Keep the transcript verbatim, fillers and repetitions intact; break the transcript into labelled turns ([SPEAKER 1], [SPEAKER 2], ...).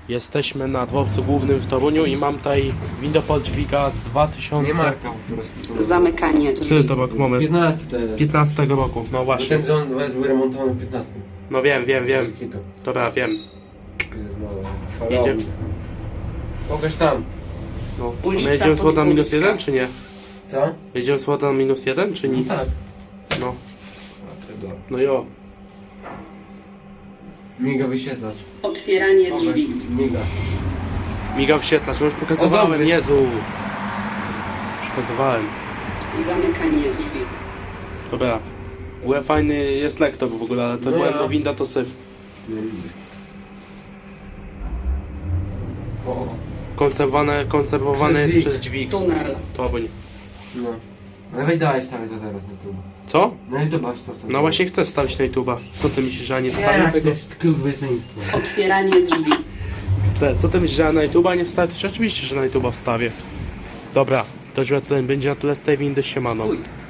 [SPEAKER 1] Jesteśmy na dworcu głównym w Toruniu i mam tutaj window dźwiga z dwa tysiące...
[SPEAKER 2] Nie marka po prostu.
[SPEAKER 3] Zamykanie drzwi.
[SPEAKER 1] Który to rok mamy?
[SPEAKER 2] piętnasty to jest.
[SPEAKER 1] piętnastego roku, no właśnie.
[SPEAKER 2] Ten dzwon był remontowany w piętnastym.
[SPEAKER 1] No wiem, wiem, wiem.
[SPEAKER 2] Moskito.
[SPEAKER 1] Dobra, wiem.
[SPEAKER 2] Pierdolę.
[SPEAKER 1] Idzie.
[SPEAKER 2] Pokaż tam.
[SPEAKER 1] No.
[SPEAKER 3] Ulica
[SPEAKER 1] My jedziemy z Łoda minus
[SPEAKER 3] Podgórska.
[SPEAKER 1] jeden, czy nie?
[SPEAKER 2] Co?
[SPEAKER 1] Jedziemy z Łoda minus jeden, czy nie?
[SPEAKER 2] No tak.
[SPEAKER 1] No.
[SPEAKER 2] A, tego.
[SPEAKER 1] No jo.
[SPEAKER 2] Miga wyświetlacz.
[SPEAKER 3] Otwieranie
[SPEAKER 2] Pokaż.
[SPEAKER 3] drzwi.
[SPEAKER 2] Miga.
[SPEAKER 1] Miga wświetlacz, już pokazywałem,
[SPEAKER 2] O, dobry.
[SPEAKER 1] Jezu. Już pokazywałem.
[SPEAKER 3] Zamykanie drzwi.
[SPEAKER 1] Dobra. W ogóle fajny jest lektor w ogóle, ale to
[SPEAKER 2] No
[SPEAKER 1] była
[SPEAKER 2] ja.
[SPEAKER 1] winda to syf.
[SPEAKER 2] O,
[SPEAKER 1] Konserwowane, konserwowane
[SPEAKER 2] Przez
[SPEAKER 1] jest
[SPEAKER 2] dźwig.
[SPEAKER 1] przez dźwig.
[SPEAKER 3] Tunel.
[SPEAKER 1] To bądź.
[SPEAKER 2] no. No weź daj stawię to teraz na YouTube.
[SPEAKER 1] Co?
[SPEAKER 2] No i to baw to.
[SPEAKER 1] No właśnie chcę wstawić na YouTube'a. Co ty myślisz, że ja nie wstawię
[SPEAKER 2] Teraz to
[SPEAKER 1] tego?
[SPEAKER 2] jest kurwysyństwo.
[SPEAKER 3] Otwieranie drzwi.
[SPEAKER 1] Ste- Co ty myślisz, że ja na YouTube'a nie wstawię? Oczywiście, że na YouTube'a wstawię. Dobra, to już będzie na tyle z tej windy, siemano.